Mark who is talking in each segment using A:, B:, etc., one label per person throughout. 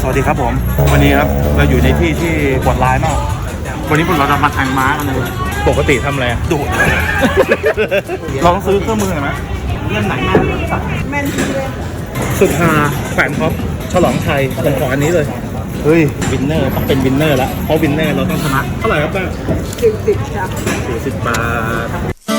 A: วัสดีครับผมวันนี้ครับเราอยู่ในที่ที่ปวดร้ายมากวันนี้พวกเราจะมาแทงม้ากันเลยปกติทำอะไรดูด ลองซื้อเครื่องมือหน่อยไหมเล่นไหนแม่นที่เล่นสุดฮาแขวนท็อปฉลองไทยผมขออันนี้เลยเฮ้ยวินเนอร์ต้องเป็นวินเนอร์แล้วเพราะวินเนอร์เราต้องชนะเท่าไหร่ครับแม่40ครับ40 บาท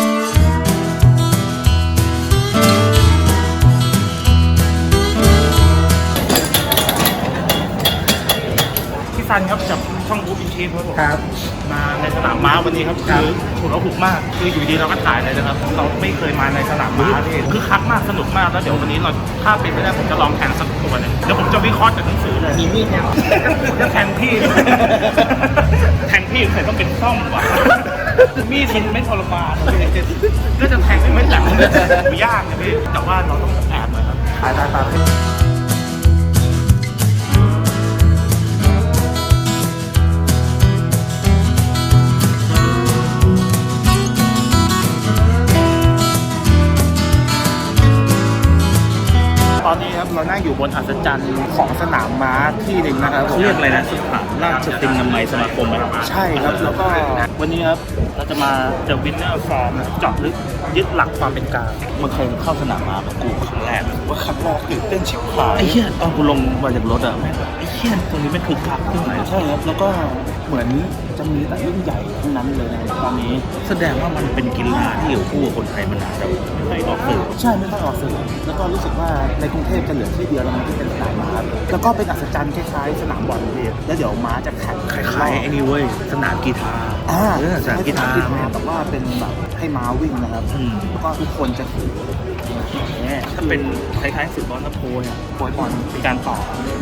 A: ซันครับจากช่องบู๊อินชีฟครับมาในสนามม้าวันนี้ครับคือถูกเราถูกมากคืออยู่ดีเราก็ถ่ายเลยนะครับเราไม่เคยมาในสนามม้าที่คือคักมากสนุกมากแล้วเดี๋ยววันนี้เราถ้าเป็นไปได้ผมจะลองแข่งสักตัวนึงเดี๋ยวผมจะวิเคราะห์จากหนังสือเลยมีมีดแทงจะแทงพี่แทงพี่ใส่ต้องเป็นซ่อมว่ะมีดมันไม่ทรมานก็จะแทงไม่หลังไม่ยากนะพี่แต่ว่าเราต้องแอบหน่อยครับถ่ายตาตอนนี้ครับเรานั่งอยู่บนอัศจรรย์ของสนามม้าที่หนึ่งนะครับเขาเรียกอะไรนะสถานราชตินามัยสมาคมไหมใช่ครับแล้วก็วันนี้ครับเราจะมา The Winner Form เจาะลึกยึดหลักความเป็นกลางมันเคยเข้าสนามม้ากับกูครั้งแรกว่าครั้งแรกตื่นเต้นชิบหายไอ้เหี้ยตอนกูลงมาจากรถอะแม่งไอ้เหี้ยตรงนี้ไม่คึกคักที่ไหนใช่ครับแล้วก็เหมือนจะมีแต่รุ่นใหญ่ทั้งนั้นเลยนะตอนนี้แสดงว่ามันเป็นกีฬาที่อยู่คู่กับคนไทยมานานแล้วไม่ออกสื่อใช่ไม่ต้องออกสื่อแล้วก็รู้สึกว่าในกรุงเทพจะเหลือที่เดียวแล้วมันที่เป็นสนามม้าแล้วก็เป็นอัศจรรย์คล้ายๆสนามบอลพี่แล้วเดี๋ยวม้าจะแข่งคล้ายๆไอ้นี่เว้ยสนามกีฬาสนามกีฬาแต่ว่าเป็นแบบให้ม้าวิ่งนะครับแล้วก็ทุกคนจะถือถ้าเป็นคล้ายๆฟุตบอลนะโพยบอลเป็นการต่อ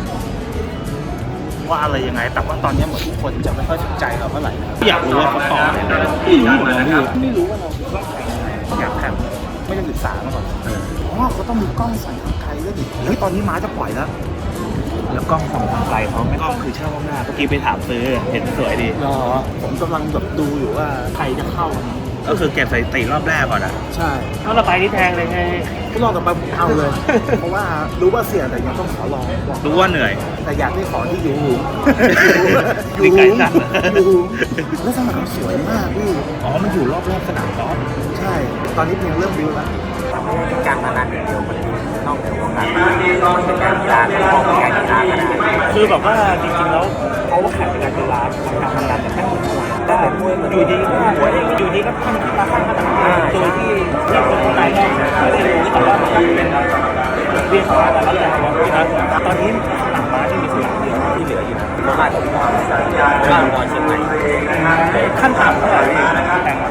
A: ว่าอะไรยังไงแต่ว่าตอนนี้เหมือนทุกคนจะไม่ค่อยสนใจเราเท่าไหร่อยากรู้ว่าเขาต่ออะไรไม่รู้ว่าเราต้องแข่งอยากแข่งไม่ได้ศึกษามาก่อนเพราะว่าเขาต้องมีกล้องส่องทางไกลด้วยดิเฮ้ยตอนนี้ม้าจะปล่อยแล้วกล้องส่องทางไกลเขาไม่กล้องคือเช่าหน้าเมื่อกี้ไปถามซื้อเห็นสวยดีรอผมกำลังแบบดูอยู่ว่าใครจะเข้าก็คือเก็บสถิติรอบแรกก่อนอ่ะใช่ถ้าเราไปที่แทงเลยไงรอบต่อไปเอาเลย เพราะว่ารู้ว่าเสี่ยงแต่ยังต้องขอลองรู้ว่าเหนื่อยแต่อยากได้ขอที่อยู่อยู่ไกลจัดอยู่แล้วสนามสวยมากพี่อ๋อมันอยู่รอบสนามกอล์ฟใช่ตอนนี้เพียงเริ่มวิวแล้วเป็นการพนันอย่างเดียวมันนอกเหนือของการเป็นการกีฬาที่มองเป็นการกีฬาก็ได้คือแบบว่าจริงๆแล้วเขาแข่งเป็นการกีฬาการพนันแต่แค่ได้แต่มวยอยู่ดีก็หัวเองอยู่ดีก็ทำกีฬาข้างถนนโดยที่คนข้างในไม่ได้รู้แต่ว่ามันเป็นเรียกว่าแต่ละอย่างนะตอนนี้สนามม้าที่มีสนามเดียวที่เหลืออยู่โคราชกับบ้านเชียงใหม่ขั้นต่ำเท่าไหร่แต่ง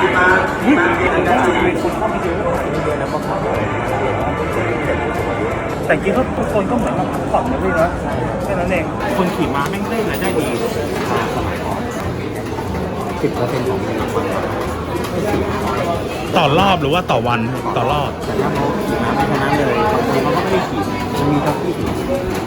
A: มีคนเข้ามาเยอะแล้วก็แต่จริงๆทุกคนก็เหมือนมาพักผ่อนนะพี่นะแค่นั้นเองคนขี่ม้าแม่งได้รายได้ดีสมัยก่อน10%ของเงินรางวัลต่อรอบหรือว่าต่อวันต่อรอบแต่ถ้าเขาขี่ม้าไม่เท่านั้นเลยบางคนเขาก็ไม่ได้ขี่มันมีท็อปที่ขี่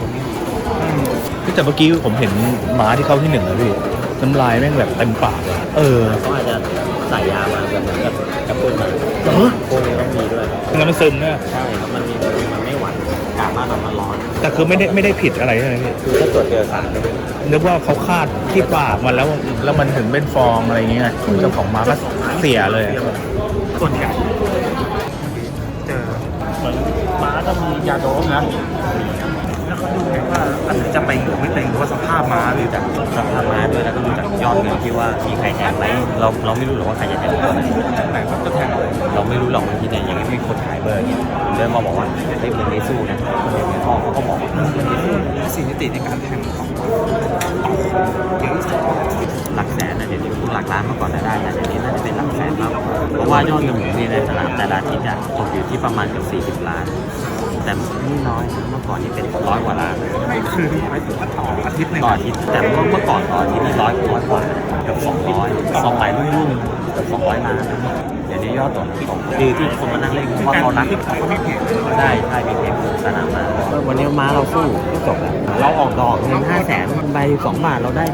A: แต่เมื่อกี้ผมเห็นม้าที่เข้าที่1แล้วพี่น้ำลายแม่งแบบเต็มปากเลยเขาอาจจะใส่ยามาแบบกระตุ้นมาพวกนี้ต้องมีด้วยงั้นมันซึมเนี่ยใช่ครับมันไม่หวานอากาศบ้านมันร้อนแต่คือไม่ได้ผิดอะไรใช่ไหมพี่คือถ้าตรวจเจอสารนึกว่าเขาคาดที่ปากมันแล้วมันถึงเป็นฟองอะไรอย่างเงี้ยเจ้าของม้าก็เสียเลยส่วนใหญ่เจอเหมือนม้าจะมียาโดปนะแล้วเขาดูไงว่าจะไปหรือไม่ไปหรือว่าสภาพม้าหรือจากสภาพม้าด้วยแล้วก็ดูจากยอดเงินที่ว่ามีใครแทงไหมเราไม่รู้หรอกว่าใครจะแทงตัวไหนไหนก็แทงเราไม่รู้หรอกที่ไหนอย่างที่คนขายเบอร์เนี่ยเดินมาบอกว่าเฮ้ยมันไม่สู้นะคนอย่างในห้องเขาก็บอกว่ามันไม่สู้สิ่งที่ติดในการแทงของเยอะหลักแสนนะเดี๋ยวนี้หลักล้านเมื่อก่อนได้แต่เดี๋ยวนี้น่าจะเป็นหลักแสนมากเพราะว่ายอดเงินหมุนเวียนในสนามแต่ละอาทิตย์ตกอยู่ที่ประมาณเกือบ40 ล้านแต่นี่น้อยเมื่อก่อนนี่เป็น100 กว่าล้านคือไม่ถึงว่าต่ออาทิตย์นึงต่ออาทิตย์แต่เมื่อก่อนต่ออาทิตย์นี่100 กว่าเกือบ200 200รุ่นเกือบ200 ล้านเดี๋ยวนี้
B: ยอดตัวตกคือที่คนมานั่งเล่นเพราะว่าเขารักได้ใช่มีเพลงสนามมาวันนี้ม้าเราสู้ก็จบแล้วเราออกดอกเงิน500,000ใบ2 บาทเราได้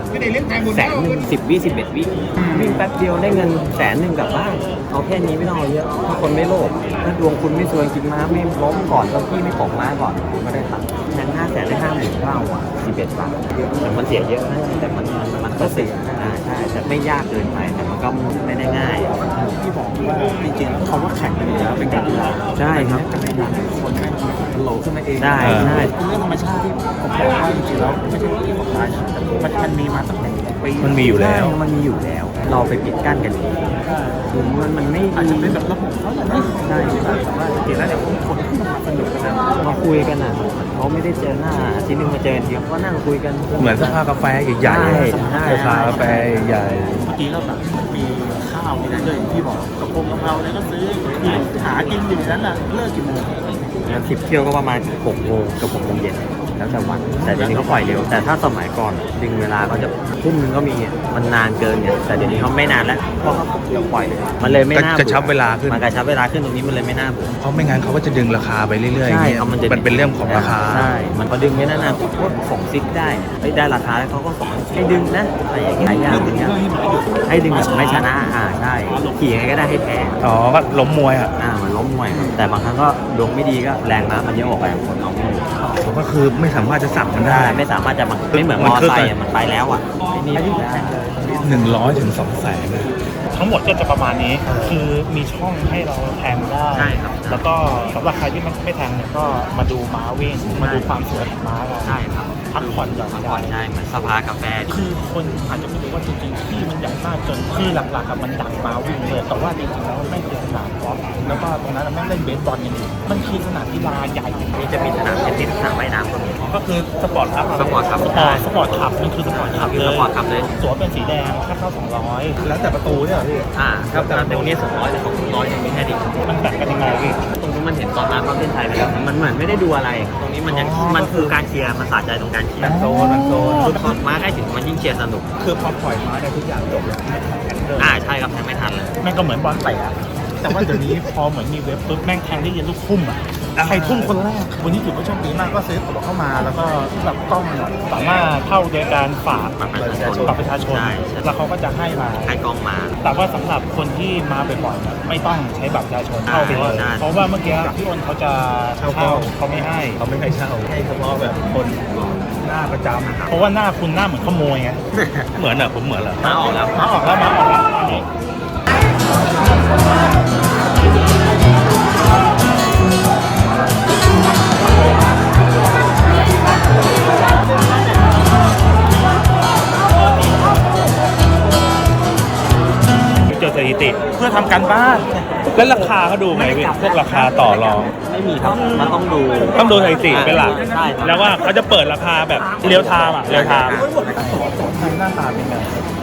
B: 100,000 10 วิ 11 วิวิ่งแป๊บเดียวได้เงิน100,000กลับบ้านเอาแค่นี้ไม่ต้องเอาเยอะถ้าคนไม่โลภถ้าดวงคุณไม่สวยจริงม้าไม่ล้มก่อนก็พี่ไม่ตกม้าก่อนคุณก็ได้ตังค์แทน500,000ได้59,000อ่ะ11 บาทแต่มันเสียเยอะนะแต่มันก็เสียใช่แต่ไม่ยากเกินไปแต่มันก็ไม่ได้ง่าย
A: ที่บอกว่าจริงๆแล้วเขาว่าแข่งกันอยู่แล้วเป็นการกีฬา
B: ใช่ครับ
A: การกีฬาคนแม่งมันโหลขึ้นมาเอง
B: ใช่
A: เรื่องธรรมชาติที่ผมบอกว่าจริงๆแล้วไม่ใช่ที่ของตายแต่มันมีมาตั้งแต่ปี
B: มันมีอยู่แล้วเราไปปิดกั้นกันเองมันไม่
A: อาจจะเป็นแบบระบบเขาแหละนะใช่แต่ว่าจริงๆแล้วเนี่ยคนที่มาสนุกกัน
B: มาคุยกันอ่ะเขาไม่ได้เจอหน้าทีนึงมาเจอทีก็นั่งคุยกัน
C: เหมือนสภากาแฟใหญ่ๆสภากาแฟใหญ่
A: เมื่อกี้เราแบบมีข้าวมีอะไรด้วยที่บอกกระเพงกะเพราเนี่ยก็ซื้อหากินอยู่นั้นน่ะเลิกกี่โมง
B: งาน10 เที่ยวก็ประมาณ6 โมงกับ6 โมงเย็นแล้วแต่วันแต่เดี๋ยวนี้เขาปล่อยเร็วแต่ถ้าสมัยก่อนดึงเวลาก็จะทุ่มนึงก็มีมันนานเกินเนี่ยแต่เดี๋ยวนี้เขาไม่นานแล้วเพราะเขาปล่อยเลยมันเลยไม่น่าก
C: ระชับเวลาขึ้น
B: มันกระชับเวลาขึ้นตรงนี้มันเลยไม่น่าเบื่อ
C: เพราะไม่งั้นเขาก็จะดึงราคาไปเรื่อยๆ
B: ใช่
C: มันเป็นเรื่องของราคา
B: ใช่มันพอดึงไม่นานๆพวกส่งซิกได้ได้ราคาแล้วเขาก็ส่งให้ดึงนะอะไรอย่างเงี้ยให้ดึงแบบไม่ชนะใช่ขี่ยังไงก็ได้ให้แพ้
C: อ๋อก็ล้มมวย
B: มันล้มมวยแต่บางครั้งก็ดวงไม่ดีก็แรงม้ามันเยอะออกไปคนเอาไม่
C: ก็คือไม่สามารถจะสั่งมันได้
B: ไม่สามารถจะไม่เหมือนมอไซค์มันไปแล้วนี่
C: 100 ถึง 200,000
A: ทั้งหมดก็จะประมาณนี้คือมีช่องให้เราแทงได้
B: ใช่ครับ
A: แล้วก็สำหรับใครที่ไม่แทงเนี่ยก็มาดูม้าวิ่งมาดูความสวยของม้าเรา
B: ใช่ครับ
A: พักผ่อนหย่อนใจ
B: ใช่เหมือนสภากาแฟ
A: คือคนอาจจะไม่รู้ว่าจริงๆที่มันใหญ่มากจนคือหลักๆมันดังม้าวิ่งเลยแต่ว่าจริงๆแล้วไม่เป็นสนามกอล์ฟแล้วก็ตรงนั้นมันเล่นเบสบอลกันอยู่มันคือสนามกีฬาใหญ่
B: นี่จะมีสนามเทนนิสสนามว่ายน้ำ
A: ก็คือสปอร์ตคลับ
B: สปอร์ตคลับ
A: มันคือสปอร์ตคลับเลยตั๋วเป็นสีแดงค่าเข้า200แล้วแต่ประตูเนี่ยพี่
B: ครับแต่ตรงนี้200แต่ของ100มีแค่นี้
A: มันแบ่งกันยังไงพี่
B: ตรงนี้มันเห็นตอนนั้นประเทศไทยไปแล้วมันเหมือนไม่ได้ดูอะไรตรงนี้มันคือการเชียร์มันสะใจตรงการเชียร์
A: มันโซน
B: ม้าใกล้ถึงมันยิ่งเชียร์สนุก
A: คือพอปล่อยม้าได้ทุกอย่างจบแล้ว
B: ใช่ครับแทงไม่ทันเลย
A: แม่งก็เหมือนบอลเตะแต่ว่าเดี๋ยวนี้พอเหมือนมีเว็บปุ๊บแม่งแทงได้ยินลูกทุ่มใครทุ่มคนแรกวันนี้ถือว่าโชคดีมากก็ซื้อตั๋วเข้ามาแล้วก็แบบกล้องสามารถเข้าโดยการฝากบัตรประชาชนแล้วเขาก็จะให้มา
B: ให้กล้องมา
A: แต่ว่าสำหรับคนที่มาบ่อยๆไม่ต้องใช้บัตรประชาชนเข้าไปเลยเพราะว่าเมื่อกี้พี่อ้นเขาจะเช่าเขาไม่ให้เช่าให้เฉพาะแบบคนหน้าประจำเพราะว่าหน้าคุณหน้าเหมือนขโมยไง
C: เหมือนผมเหมือนเหรอ
B: มาออกแล้ว
A: อันนี้เจอสถิติเพื่อทำการบ้านแล้วราคาเขาดูไหมพี่พวกราคาต่อรอง
B: ไม่มีครับมันต้อง
C: ดูสถิติเป็นหลักแล้วว่าเขาจะเปิดราคาแบบเรียวไทม์ห
A: น้าตาเป็นไง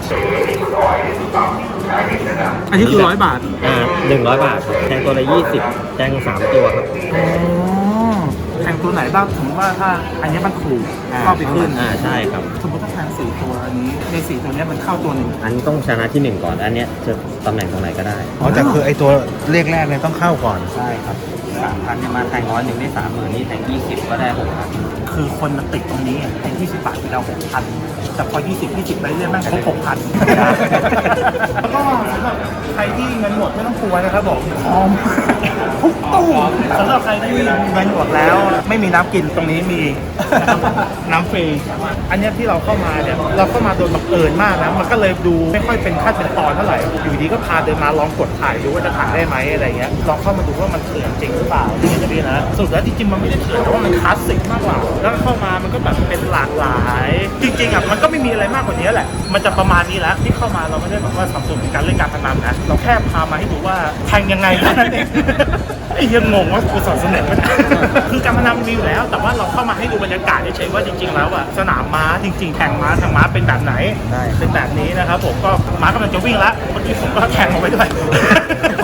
A: อันนี้คือ100 บาท
B: 100 บาทแทงตัวละ20แทง3 ตัวครับ
A: แทงตัวไหนบ้างสมมติว่าถ้าอันนี้มันถูกเข้าไปขึ้น
B: ใช่ครับ
A: สมมติถ้าแทง4 ตัวอันนี้ใน4 ตัวนี้มันเข้าตัวหนึ่ง
B: อันนี้ต้องชนะที่1ก่อนอันนี้จะตำแหน่งตรงไหนก็ได้
C: แต่คือไอตัวเลขแรกเนี่ยต้องเข้าก่อน
B: ใช่ครับ3,000เนี่ยมาแทง100ได้30,000นี่แทง20ก็ได้6,000
A: คือคนมันติดตรงนี้แทง20 บาทไปเรา6,000แต่พอ20ไปเรื่อยๆแม่งครบ 6,000แล้วก็สำหรับใครที่เงินหมดไม่ต้องกลัวนะครับบอกพร้อมทุกตู้สำหรับใครที่เงินหมดแล้วไม่มีน้ำกินตรงนี้มีน้ำฟรีอันนี้ที่เราเข้ามาเนี่ยเราเข้ามาโดยบังเอิญมากนะมันก็เลยดูไม่ค่อยเป็นขั้นเป็นตอนเท่าไหร่อยู่ดีก็พาเดินมาลองกดถ่ายดูว่าจะถ่ายได้ไหมอะไรเงี้ยลองเข้ามาดูว่ามันเถื่อนจริงหรือเปล่าจริงจะพี่นะสุดแล้วจริงๆมันไม่ได้เถื่อนแต่ว่ามันคลาสสิกมากกว่าแล้วเข้ามามันก็แบบเป็นหลากหลายจริงๆมันก็ไม่มีอะไรมากกว่านี้แหละมันจะประมาณนี้แล้วที่เข้ามาเราไม่ได้แบบว่าสับสนในการเล่นการพนันนะเราแค่พามาให้ดูว่าแทงยังไงนั่นเองไอ้ยังงงว่ากูสอนสำเร็จไหมคือการพนันมีอยู่แล้วแต่ว่าเราเข้ามาให้ดูบรรยากาศเฉยๆว่าจริงๆแล้วสนามม้าจริงๆแข่งม้าทางม้าเป็นแบบไหนเป็นแบบนี้นะครับผมก็ม้ากำลังจะวิ่งแล้วเมื่อกี้ผมก็แข่งออกไปด้วย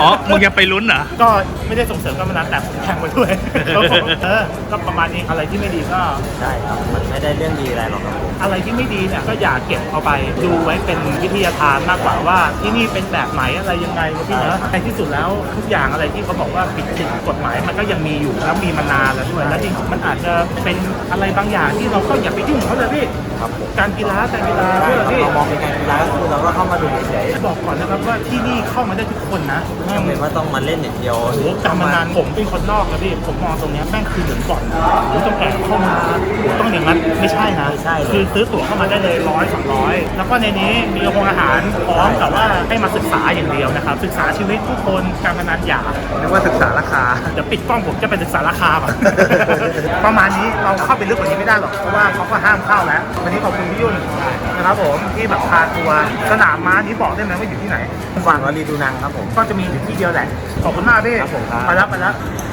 C: อ๋อมึงยังไปลุ้นเหรอ
A: ก็ไม่ได้ส่งเสริมการพนันแต่ผมแทงไปด้วยครับผมก็ประมาณนี้อะไรที่ไม่ดีก็
B: ใช่ครับมันไม่ได้เรื่องดีอะไรหรอกครับผม
A: อะไรที่ไม่ดีเนี่ยก็อย่าเก็บเอาไปดูไว้เป็นวิทยาทานมากกว่าว่าที่นี่เป็นแบบไหนอะไรยังไงนะพี่เนอะในที่สุดแล้วทุกอย่างอะไรที่เขาบอกว่าผิดกฎหมายมันก็ยังมีอยู่แล้วมีมานานแล้วด้วยแล้วจริงๆมันอาจจะเป็นอะไรบางอย่างที่เราก็อย่าไปยุ่งเขาเลยพี่
B: ครับผม
A: การกีฬาเพื่อพี่
B: เรามองเป็นการกีฬาก็คือเราก็เข้ามาดูเฉย
A: บอกก่อนนะครับว่าที่นี่เข้ามาได้ทุกคนนะ
B: ๆไม่จำเป็นว่าต้องมาเล่นอย่างเดียว
A: โอ้โหการพนันผมเป็นคนนอกนะพี่ผมมองตรงเนี้ยแม่งคือเหมือนบ่อนหรือต้องแอบเข้ามาต้องอย่างนั้นไม่ใช่นะ
B: ไม่ใช่เลย
A: คือซื้อตั๋วเข้ามาได้เลย100-200แล้วก็ในนี้มีโรงอาหารพร้อมกับว่าให้มาศึกษาอย่างเดียวนะครับศึกษาชีวิตผู้คนการพนันอย่า
B: นึกว่าศึกษาราคา
A: เดี๋ยวปิดกล้องผมจะไปศึกษาราคาก่อน ประมาณนี้เราเข้าไปลึกกว่านี้ไม่ได้หรอกเพราะว่าเขาก็ห้ามเข้าแล้ววันนี้ขอบคุณพี่ยุ่นนะครับผมที่แบบพาทัวร์สนามม้านี้บอกได้ไหมว่าอยู่ที่ไหน
B: ฝั่งวลีดูนังครับผม
A: ก็จะมีอยู่ที่เดียวแหละขอบคุณมากพี่
B: ครับผมครับ
A: ไปแล้ว